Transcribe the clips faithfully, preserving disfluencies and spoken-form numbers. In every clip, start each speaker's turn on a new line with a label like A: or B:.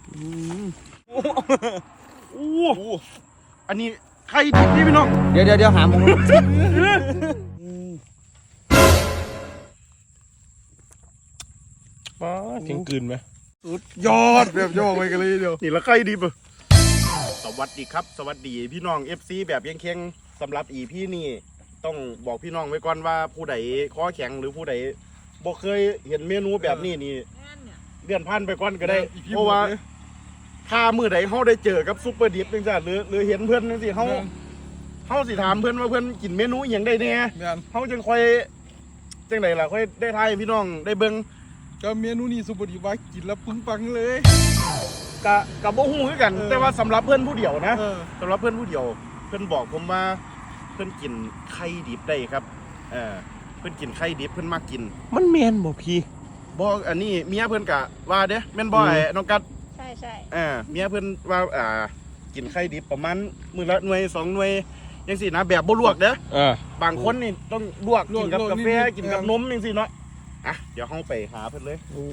A: โอ้อันนี้ใครดิบนี่พี่น้อง
B: เดี๋ยวเดี๋ยวเดี๋ยวหามุม
C: ป้าเก่งกืนไหม
A: สุดยอดแบบจะบอกไปกันเลยเดียวนี่ละใครดิบอ่ะสวัสดีครับสวัสดีพี่น้อง เอฟ ซี แบบเคียงๆสำหรับอีพี่นี่ต้องบอกพี่น้องไว้ก่อนว่าผู้ใดข้อแข็งหรือผู้ใดบ่เคยเห็นเมนูแบบนี้นี่เลื่อนผ่านไปก่อนก็ได้เพราะว่าถ้ามือใดเขาได้เจอกับซุปเปอร์ดิบจังซี่หรือหรือเห็นเพื่อนจังซี่เขาเขาสิถามเพื่อนว่าเพื่อนกินเมนูอย่างใดแน่เขาจึงค่อยจังไดล่ะค่อยได้ทายพี่น้องได้เบิ่ง
C: ก็เมนูนี้ซุปเปอร์ดิบว่ากินแล้วปึ้งปังเลย
A: กะกะบ่ฮู้คือกันแต่ว่าสำหรับเพื่อนผู้เดียวนะสำหรับเพื่อนผู้เดียวเพื่อนบอกผมว่าเพื่อนกินไข่ดิบได้ครับเออเพื่อนกินไข่ดิบเพื่อนมากกิน
C: มันแมนบ่พี่
A: บ่อันนี้เมียเพื่อนกะว่าเด้แม่นบ่ไอ้น้องกัด
D: ใช่ใช่
A: เออเมียเพื่อนว่าอ่ากินไข่ดิบประมาณมื้อละหน่วยสองหน่วยจังซี่นะแบบบ่ลวกเด้อบางคนนี่ต้องลวกกินกับกาแฟกินกับนมจังซี่เนาะอ่ะเดี๋ยวเฮาไปหาเพิ่นเลยโอ้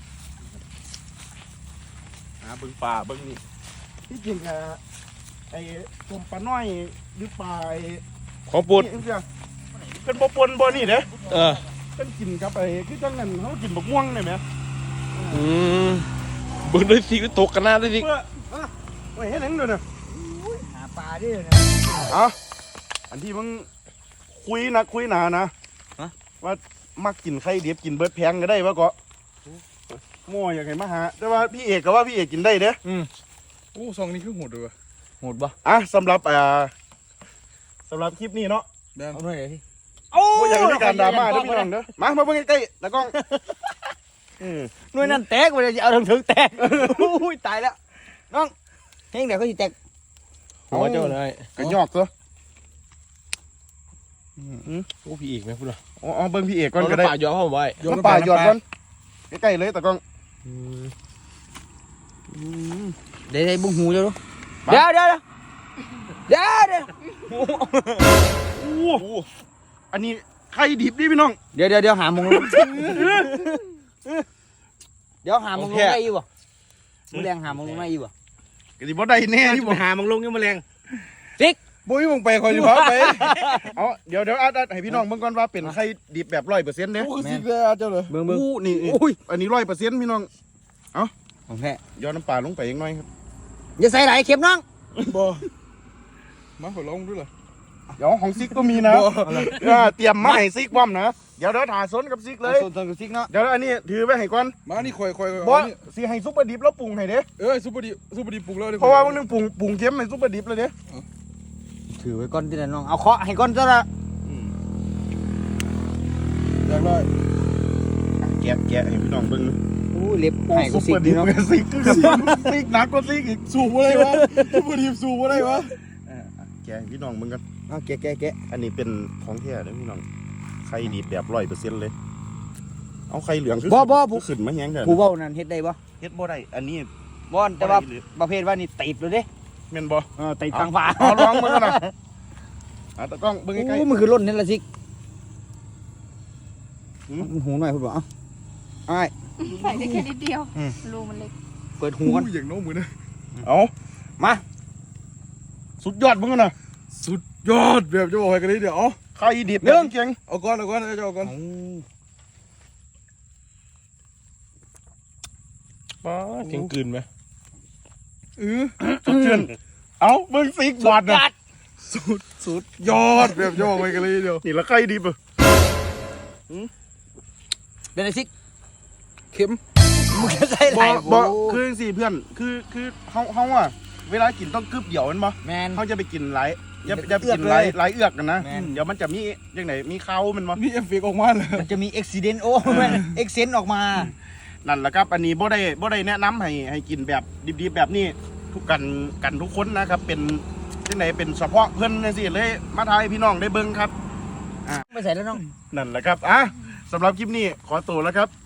A: หาเบิ่งปลาเบิ่งนี่ที่จริงอ่ะไอ้ต้มปลาน้อยหรือปลา
C: ของปุด
A: เป็นบ่ปนบ่นี่เด้
C: เออ
A: เป็นกินกับไอ้คือจังนั้นเฮากินบักม่วงได้มั้ย
C: อืมเบิ่งได้สิตกกันหน้าได้สิ
A: เออโอ้ยเฮ็ดหยังด้วยน่ะ
B: หาปลาดินะ
A: อ๋ออันที่มึงคุยนักคุยหนานะว่ามักกินไข่ดิบกินเบิดแพงก็ได้วะก็โม่อยากเห็นมาหาแต่ว่าพี่เอกก็ว่าพี่เอกกินได้เด้อ
C: อืมโอ้ซองนี้คือโหดด้วย
B: โหดปะ
A: อ่ะสำหรับอ่าสำหรับคลิปนี้เนาะ
B: เอาหน่อยเลย
A: พี่โอ้ยอยากมีการดราม่าด้วยพี่น้องเด้อมามาเบิ่งใกล้ๆแล้วกล้อง
B: หน่วยนั่นแตกไปเลยเอาถึงถึงแตกอุ้ยตายแล้วน้องเฮงเดี๋ยวเขาจะแตก
C: หัวเจ้าเลย
A: กันยอกเหรอ
C: โอ้พี่เอกไหมพูดเหรอ
A: อ๋อเบิ่งพี่เอกก่อนก็ได้
C: ป่าหยอดเข้าไว้
A: หยอดป่าหยอดก่อนใกล้ๆเลยตะกล้อง
B: เดี๋ยวบุ้งหูเจ้าดูเดี๋ยวเดี๋ยวเดี๋ยวเดี๋ยว
A: โอ้อันนี้ไข่ดิบดิพี่น้อง
B: เดี๋ยวเดี๋ยวเดี๋ยวหามุงเดี๋ยวหามุงลงได้อยู่บ่มุงแรงหามุงลงได้อยู่บ่
A: ก็สิบ่ได้แน่ที่บ่
B: หามุงลงยังมุงแรง
A: ติ๊กบุ้ยมึงไปคอยอยู่พาไปเอาเดี๋ยวเดี๋ยวอาดให้พี่น้องเบิ่งก่อนว่าเป็นไข่ดิบแบบร้อยเปอร์เซ็นต์เนี่ย
C: โอ้สิเลยเจ้าเลย
A: เบิ่งเบิ่งนี่อุ้ยอันนี้ร้อยเปอร์เซ็นต์พี่น้องเอา
B: ของแท้
A: ย้อนน้ำปลาลงไปอีกหน่อยครับ
B: อย่าใส่ไหลเข็มน้อง
C: บ่มาขอลองด้วยเหรอ
A: เดี๋ยวของซิกก็มีนะเตรียมมาให้ซิกบ้อมนะเดี๋ยวเดี๋ยวถ่ายซนกับซิกเลย
B: ซนกับซิกเนาะ
A: เดี๋ยวอันนี้ถือไปให้ก่อน
C: มานี่คอยคอย
A: บ่สิให้ซุปเปอร์ดิบแล้วปรุงให้เด้
C: เออซุปเปอร์ดิบซุปเปอร์ดิบปรุงแล้ว
A: เพราะว่ามันนึงปรุงปรุงเค็มให้ซุปเปอร์ดิบเลยเด้
B: ถือไว้ก้อนที่ไหนน้องเอาเคาะให้ก้อนซะละ
C: อยากได้
A: แกะแกะให้พี่น้องเบิ่ง
B: อู้เล็บให้ก็ซิก
A: เนาะซิกซิกหนักกว่าซิกอีก
C: สูบอะไรวะซุปเปอร์ดิบสูบอะไรวะ
A: แกะพี่น้องเบิ่งกัน
B: เอาแกะแกะแกะ
A: อันนี้เป็นของแท้เด้อพี่น้องไข่ดิบแบบร้อยเปอร์เซ็นต์เลยเอาไข่เหลือง
B: บ่บ่ผู้
A: ขึ้นมาแห้งกัน
B: ผู้เว้านั่นเฮ็ดได้บ่
A: เฮ็ดบ่ได้อันนี้
B: บ่แต่ว่าประเภทว่านี่ติดเลยเด้
A: แม่นบ่
B: เออติดทางฝา
A: เอาลองมึงกันนะอ่ะตะกล้องเบิ่งใกล้
B: ๆมันคือล้นนี่ละซิกมันหูหน่อยพุ่นบ่เอ้าอ้าย
D: ใส่ได้แค่นิดเดียวรูมันเล็ก
B: เปิดหูกัน
C: อย่างโน้มมือนะ
A: เอามาสุดยอดมึงกันนะ
C: สุดยอดแบบจะบอกให้กันเลยเดี๋ยวเอา
A: ไข่ดิบเรื่องเก่ง
C: เอาก้อนเอาก้อนเอาเอาก้อนป้าเก่งกืนไหม
A: เออสุดเชื่อนเอาเบิ่งซิกบอดนะ
C: สุดสุดยอดแบบจะบอกให้กันเลยเดี๋ยว
A: นี่ละไข่ดิบอ่ะ
B: เป็นไงซิก
C: เข็ม
B: มึงจะใส่ไหล
A: บ่คือสิเพื่อนคือคือเฮาเฮาอ่ะเวลากินต้องกึบเดี่ยวมันบ่
B: แมน
A: เขาจะไปกินหลายจะจะกินหลายหลายเอือกกันนะเดี๋ยวมันจะมียังไงมีเขามันบ่
C: มีเอฟเฟกต์ออกมาเลย
B: มันจะมีอุบิเหตุโอ้แม่นเอ็กเซนต์ออกมา
A: นั่นแหละครับอันนี้บ่ได้บ่ได้แนะนำให้ให้กินแบบดิบๆแบบนี้ทุกกันกันทุกคนนะครับเป็นยังไงเป็นเฉพาะเพิ่นจังซี่เลยมาทายพี่น้องได้เบิ่งครับ
B: อ่ะไม่ใส่แล้วน้อง
A: นั่นแหละครับอ่ะสำหรับคลิปนี้ขอตัวแล้วครับ